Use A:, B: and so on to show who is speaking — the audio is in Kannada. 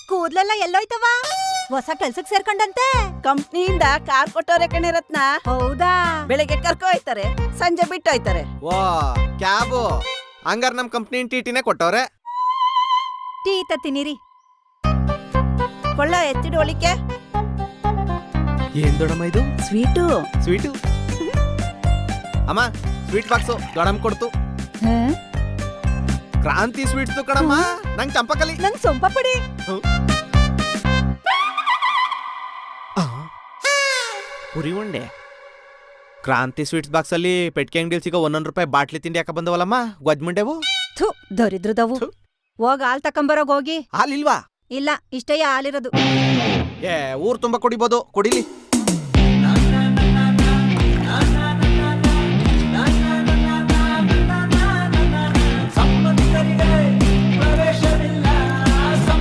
A: ಕೂದ್ಲೆಲ್ಲ ಎಲ್ಲೋಯ್ತವ? ಹೊಸ ಕೆಲ್ಸಕ್ ಸೇರ್ಕೊಂಡಂತೆ?
B: ಕಂಪ್ನಿಯಿಂದ ಕಾರ್ ಕೊಟ್ಟವ್ರೆ ಕಣೆ ರತ್ನ.
A: ಹೌದಾ?
B: ಬೆಳಿಗ್ಗೆ ಕರ್ಕೊ ಹೋಯ್ತಾರೆ, ಸಂಜೆ ಬಿಟ್ಟು ಹೋಯ್ತಾರೆ.
C: ವಾ ಕ್ಯಾಬು ಹಂಗಾರ ನಮ್ ಕಂಪ್ನಿ ಟಿಟಿನೇ ಕೊಟ್ಟವ್ರೆ.
A: ಟೀ ತತ್ತಿನಿರಿ.
B: ಕೊಳ್ಳ ಎತ್ತಿಡು ಒಳಿಕೆ.
C: ಏನ್ ದೊಡಮ್ಮ ಇದು?
B: ಸ್ವೀಟು.
C: ಸ್ವೀಟು ಅಮ್ಮ, ಸ್ವೀಟ್ ಬಾಕ್ಸು ದೊಡಮ್ಮ ಕೊಡ್ತು. ಕ್ರಾಂತಿ ಸ್ವೀಟ್ಸ್ ಕಣಮ್ಮ, ನಂಗ್ ಚಂಪಕಲಿ.
A: ನಂಗ್ ಸೊಂಪ ಪುಡಿ.
C: ಪುರಿ ಉಂಡೆ. ಕ್ರಾಂತಿ ಸ್ವೀಟ್ಸ್ ಬಾಕ್ಸ್ ಅಲ್ಲಿ ಪೆಟ್ಕೆ ಅಂಗಡಿಲಿ ಸಿಗೋ 1 ರೂಪಾಯಿ ಬಾಟ್ಲಿ ತಿಂಡಿ ಯಾಕ ಬಂದವಲ್ಲಮ್ಮ, ಗೊಜ್ಮುಂಡೆವು.
A: ಥು, ದರಿದ್ರದವು. ಹೋಗ್ ಹಾಲ್ ತಕೊಂಬರೋಗ್ ಹೋಗಿ.
C: ಹಾಲಿಲ್ವಾ?
A: ಇಲ್ಲ, ಇಷ್ಟೇ ಹಾಲಿರೋದು.
C: ಊರ್ ತುಂಬಾ ಕುಡಿಬೋದು, ಕುಡಿಲಿ.